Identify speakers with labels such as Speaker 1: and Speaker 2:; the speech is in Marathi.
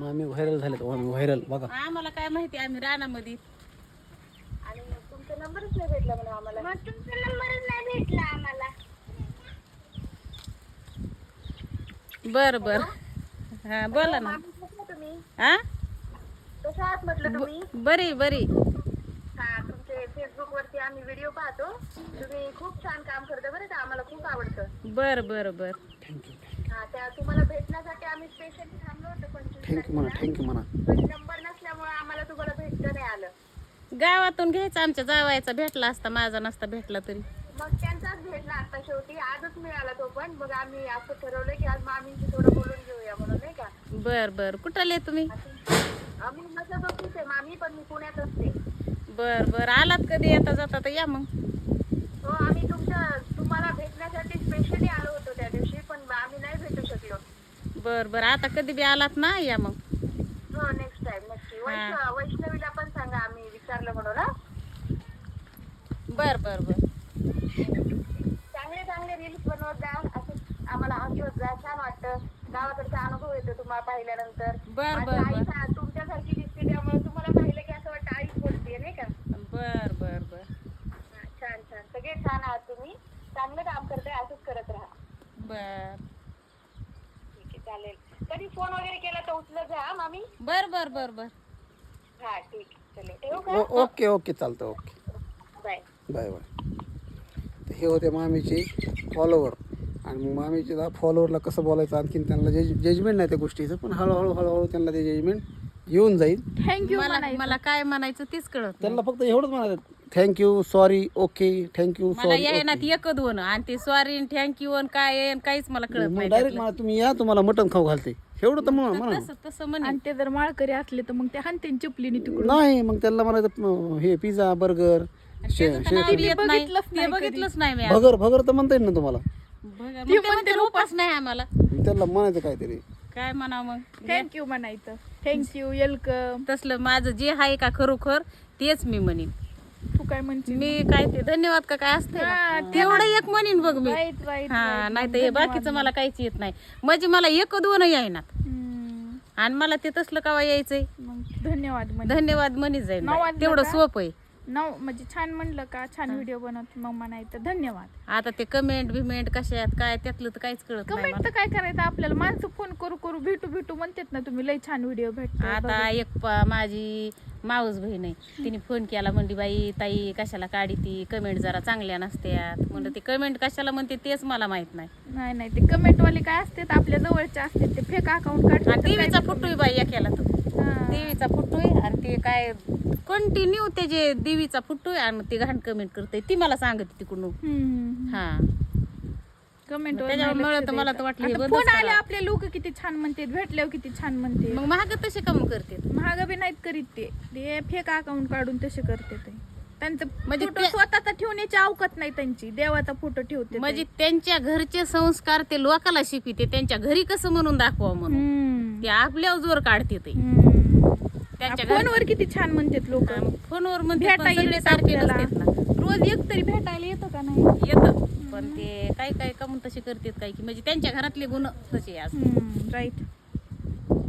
Speaker 1: मामी व्हायरल झालेत. मामी व्हायरल बघा.
Speaker 2: आम्हाला काय माहिती, आम्ही रानामध्ये.
Speaker 3: आणि तुमचा नंबरच नाही भेटला म्हणून आम्हाला. मग तुमचा नंबरच नाही भेटला आम्हाला.
Speaker 2: बर बर. हा बोला ना.
Speaker 3: तुम्ही
Speaker 2: हा
Speaker 3: कशा आहात म्हटलं तुम्ही?
Speaker 2: बरी बरी.
Speaker 3: हा, तुमचे फेसबुक वरती आम्ही व्हिडिओ पाहतो. तुम्ही खूप छान काम करता बरं का, आम्हाला खूप आवडतं.
Speaker 2: बर बर बर.
Speaker 1: थँक्यू
Speaker 3: हा, त्या तुम्हाला भेटण्यासाठी आम्ही स्पेशली थांबलो होतो. पण
Speaker 1: थँक्यू म्हणा. थँक्यू म्हणा.
Speaker 3: नंबर नसल्यामुळे आम्हाला तुम्हाला भेटता नाही आलं.
Speaker 2: गावातून घ्यायचा, आमच्या जावायचा भेटला असता, माझा नसता भेटला तरी.
Speaker 3: मग त्यांचाच भेटला आता शेवटी. आजच मिळाला तो पण. मग आम्ही असं ठरवलं की आज मामींशी थोडं बोलून घेऊया म्हणून, नाही का.
Speaker 2: बर बर. कुठले तुम्ही?
Speaker 3: आम्ही मसाच ऑफिस आहे मामी, पण मी पुण्यात असते.
Speaker 2: बर बर. आलात कधी येता जाता तर या मग.
Speaker 3: हो, आम्ही तुम्हाला भेटण्यासाठी स्पेशली आलो होतो त्या दिवशी, पण आम्ही नाही भेटू शकलो.
Speaker 2: बर बर. आता कधी बी आलात ना या मग.
Speaker 3: हो, नेक्स्ट टाइम नक्की. वैष्णवीला पण सांगा आम्ही विचारलं म्हणून. हा,
Speaker 2: बर बर बर.
Speaker 3: चांगले चांगले रील्स बनवत जा, असं आम्हाला हसवत जा. छान वाटतं, गावाकडचा अनुभव येतो तुम्हाला पाहिल्यानंतर.
Speaker 2: बर
Speaker 3: माझी
Speaker 2: बर
Speaker 3: आई
Speaker 2: बर.
Speaker 3: तुमच्यासारखी दिसते, त्यामुळे तुम्हाला पाहिलं की असं वाटतं आईच बोलतेय, नाही का.
Speaker 2: बर बर बर.
Speaker 3: हा, छान छान. सगळे छान आहात तुम्ही. चांगलं काम करताय, असंच करत राहा.
Speaker 2: बर
Speaker 3: ठीक आहे, चालेल. कधी फोन वगैरे केला तर उचलत जा हा मामी.
Speaker 2: बर बर बर बर.
Speaker 3: हा, ठीक आहे. चलो, ठेवू का?
Speaker 1: ओके ओके चालतं. Okay
Speaker 3: bye.
Speaker 1: Bye bye. तर हे होते मामीचे फॉलोवर. आणि मग मामीचे फॉलोअरला कसं बोलायचं, आणखीन त्यांना जजमेंट नाही त्या गोष्टीचं, पण हळूहळू हळूहळू त्यांना ते जजमेंट येऊन जाईल.
Speaker 4: थँक्यू.
Speaker 2: मला काय म्हणायचं तेच कळत नाही.
Speaker 1: त्यांना फक्त एवढंच म्हणायचं, थँक्यू, सॉरी, ओके, थँक्यू,
Speaker 2: मला
Speaker 1: सॉरी.
Speaker 2: यायना एक दोन आणि ते सॉरी थँक्यू काय आहे काहीच मला कळत नाही.
Speaker 1: डायरेक्ट मला तुम्ही या, तुम्हाला मटण खाऊ घालते, एवढं तर म्हणा.
Speaker 2: तसं तसं म्हणे.
Speaker 4: आणि ते जर माळकरी असले तर मग ते हानतेन चिपलीने तिकडून.
Speaker 1: नाही, मग त्यांना म्हणायचं हे पिझ्झा, बर्गर,
Speaker 2: त्याचं नाव येत नाही. ते बघितलंच नाही मी.
Speaker 1: भगर तर म्हणता येईल ना तुम्हाला.
Speaker 2: मग ते म्हणते उपास नाही आम्हाला.
Speaker 1: त्यांना म्हणायचं काहीतरी.
Speaker 2: काय म्हणा मग.
Speaker 4: थँक्यू म्हणायचं. Thank you, welcome.
Speaker 2: तसलं माझं जे आहे का खरोखर तेच मी म्हणीन.
Speaker 4: तू काय म्हणते?
Speaker 2: मी काय ते धन्यवाद का काय असते
Speaker 4: हा,
Speaker 2: तेवढं एक म्हणीन बघ मी.
Speaker 4: Right right.
Speaker 2: हा, नाही तर हे बाकीचं मला काहीच येत नाही. म्हणजे मला एक दोन येईनात आणि मला ते तसलं कवा यायचंय.
Speaker 4: मग धन्यवाद म्हणजे
Speaker 2: धन्यवाद म्हणीच जाईल
Speaker 4: नाव
Speaker 2: बाई.
Speaker 4: वाजलं
Speaker 2: तेवढं
Speaker 4: का?
Speaker 2: सोपं आहे.
Speaker 4: नाव म्हणजे छान म्हणलं का, छान व्हिडिओ बनवत मग म्हणायचं धन्यवाद.
Speaker 2: आता ते कमेंट बिमेंट कशात काय त्यातलं तर काहीच कळत नाही
Speaker 4: कमेंट तर काय करायचं आपल्याला. माणसं फोन करू करू भेटू भेटू म्हणतात ना, तुम्ही लई छान व्हिडिओ भेटतो.
Speaker 2: आता एक माझी माऊस बहीण आहे, तिने फोन केला, म्हणली बाई ताई कशाला काढी ती कमेंट जरा चांगल्या नसत्यात. म्हणलं ते कमेंट कशाला म्हणते तेच मला माहित नाही.
Speaker 4: नाही नाही, ते कमेंट वाले काय असतात आपल्या जवळचे असतात, ते फेक अकाउंट काढतात.
Speaker 2: टीव्हीचा फोटो आहे बाई एकेला तो. देवीचा फोटो आहे आणि ते काय कंटिन्यू त्याचे देवीचा फोटो आहे आणि ते घाण कमेंट करते, ती मला सांगते तिकडून. हा,
Speaker 4: कमेंट
Speaker 2: त्याच्यामुळे तर मला तर वाटलं हे बंदच
Speaker 4: फोन आले
Speaker 2: करावं.
Speaker 4: आपले लोक किती छान म्हणतात, भेटल्यावर किती छान म्हणते.
Speaker 2: मग महाग तसे कम करते.
Speaker 4: महाग बी नाहीत करीत ते फेक अकाउंट काढून तसे करते ते. त्यांचं
Speaker 2: म्हणजे
Speaker 4: फोटो स्वतःचा ठेवण्याची अवकात नाही त्यांची, देवाचा फोटो ठेवते.
Speaker 2: म्हणजे त्यांच्या घरचे संस्कार ते लोकाला शिकविते, त्यांच्या घरी कसं म्हणून दाखवा म्हणून ते आपल्या जोर काढते ते. त्यांच्या
Speaker 4: फोनवर किती छान म्हणतात लोक.
Speaker 2: फोनवर म्हणजे
Speaker 4: भेटायला
Speaker 2: सारखे नसतात ना.
Speaker 4: रोज एक तरी भेटायला येतं का नाही?
Speaker 2: येतं पण ते काही काही कमून तसे करतात काही की म्हणजे त्यांच्या घरातले गुण तसे असतात.
Speaker 4: राईट.